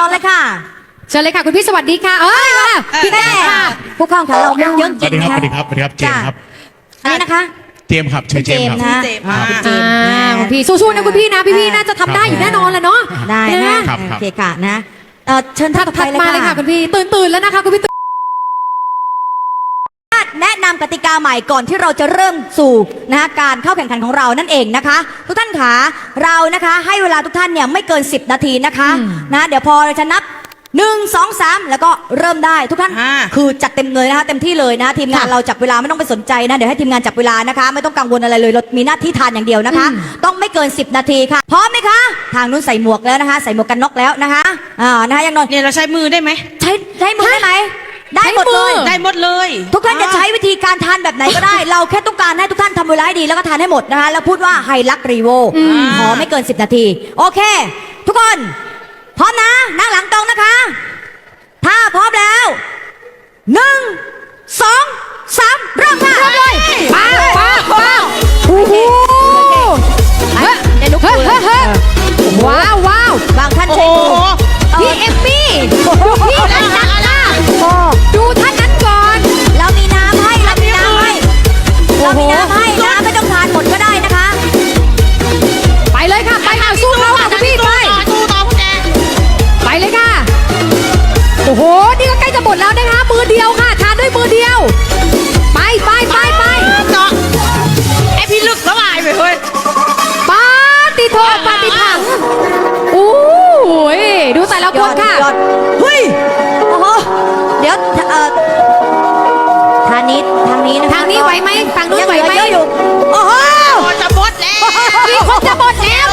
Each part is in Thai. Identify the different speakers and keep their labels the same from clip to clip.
Speaker 1: อนเลยค่ะ
Speaker 2: เชิญเลยค่ะคุณพี่สวัสดีค่ะมา
Speaker 1: พี่แม่ผู้เข้าแข่งขันเราเยอะจริงค่ะ
Speaker 3: สวัสดีครับเจมส์ครับ
Speaker 1: อันนี้นะคะ
Speaker 3: เจมส์ครับเจมส์ครับ
Speaker 2: คุณพี่สู้ๆนะคุณพี่นะพี่น่าจะทำได้อยู่แน่นอนแหละเนาะ
Speaker 1: ได้นะโอเคค่ะนะเชิญท่านต่อไป
Speaker 2: เลยค่ะคุณพี่ตื่นแล้วนะคะคุณพี่
Speaker 1: แนะนำกติกาใหม่ก่อนที่เราจะเริ่มสู่นะคะการเข้าแข่งขันของเรานั่นเองนะคะทุกท่านขาเรานะคะให้เวลาทุกท่านเนี่ยไม่เกิน10 นาทีนะคะนะเดี๋ยวพอเราจะนับ1 2 3แล้วก็เริ่มได้ทุกท่านคือจัดเต็มเลยนะคะเต็มที่เลยนะทีมงานเราจับเวลาไม่ต้องไปสนใจนะเดี๋ยวให้ทีมงานจับเวลานะคะไม่ต้องกังวลอะไรเลยเรามีหน้าที่ทานอย่างเดียวนะคะต้องไม่เกิน10 นาทีค่ะพร้อมไหมคะทางนู้นใส่หมวกแล้วนะคะใส่หมวกกันน็อกแล้วนะคะนะคะยังนอน
Speaker 4: เนี่ยเราใช้มือได้ไหม
Speaker 1: ใช้มือได้ไหมได้หมดเลย
Speaker 4: ได้หมดเลย
Speaker 1: ทุกท่านจะใช้วิธีการทานแบบไหนก็ได้เราแค่ต้องการให้ทุกท่านทำเวลาให้ดีแล้วก็ทานให้หมดนะคะแล้วพูดว่าไฮลักรีโวขอไม่เกิน10 นาทีโอเคทุกคนพร้อมนะนั่งหลังตรงนะคะถ้าพร้อมแล้ว1 2 3เริ่มค่ะเริ่มเลย
Speaker 2: ป้าโอ้โห
Speaker 1: ได้ลุกขึ้น
Speaker 2: ว้าว
Speaker 1: บางท่านใช้มือ
Speaker 2: พี่เอมมี่ดูพี่ท่านนั้นนะดูท่านนั้นก่อน
Speaker 1: เรามีน้ำให้น้ำไม่ต้องทานหมดก็ได้นะคะ
Speaker 2: ไปเลยค่ะไปค่ะสู้เขาค่ะคุณพี่ไปเลยค่ะโอ้โหนี่ก็ใกล้จะหมดแล้วนะคะมือเดียวค่ะทานด้วยมือเดียวไป
Speaker 4: เจาะไอพี่ลึกสบายไปเลย
Speaker 2: ปาติโทปาติถังโอ้ยดูแต่ละคนค่ะ
Speaker 1: เฮ้ยโอ้โหเดี๋ยวทางนี้นะ
Speaker 2: ทางนี้ไหวไหมทางนู้นไหวไหม
Speaker 1: โอ้โห
Speaker 4: จะหมดแล้ว
Speaker 2: มีคนจะหมดแล้ว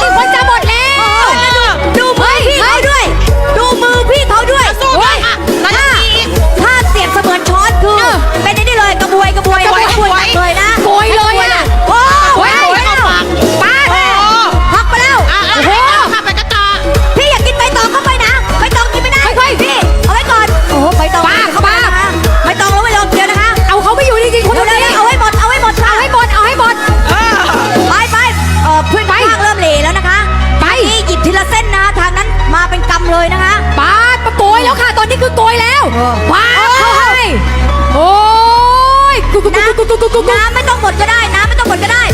Speaker 1: ดูมือพี่เขาด้วยดูมือพี่เขาด้วยถ้าเสียบเสมือนช้อนคือเป็นนี่เลยกระบวยเลยนะ
Speaker 2: โกยเลยอ่ะ
Speaker 1: โอ้ย
Speaker 2: ป้า
Speaker 1: พักไปแล้ว
Speaker 4: โอ้โหไปกระต่อ
Speaker 1: พี่อยากกินใบตองเข้าไปนะใบตองกินไม่ได้
Speaker 2: ค่อยๆ
Speaker 1: พี่เอาไว้ก่อนโอ้โหใบตอง
Speaker 2: ป้า
Speaker 1: ใบตองแล้วไม่ลงเดียวนะคะ
Speaker 2: เอาเขาไม่อยู่จริงๆคุณดูเลย
Speaker 1: เอาให้หมดค่ะไปเพื่อนข้างเริ่มเหล่แล้วนะคะไปหยิบทีละเส้นนะทางนั้นมาเป็นกำเลยนะคะ
Speaker 2: ป้าโกยแล้วค่ะตอนนี้คือโกยแล้วป้าเข้าให้โอ้ย
Speaker 1: น้ำไม่ต้องหมดก็ได้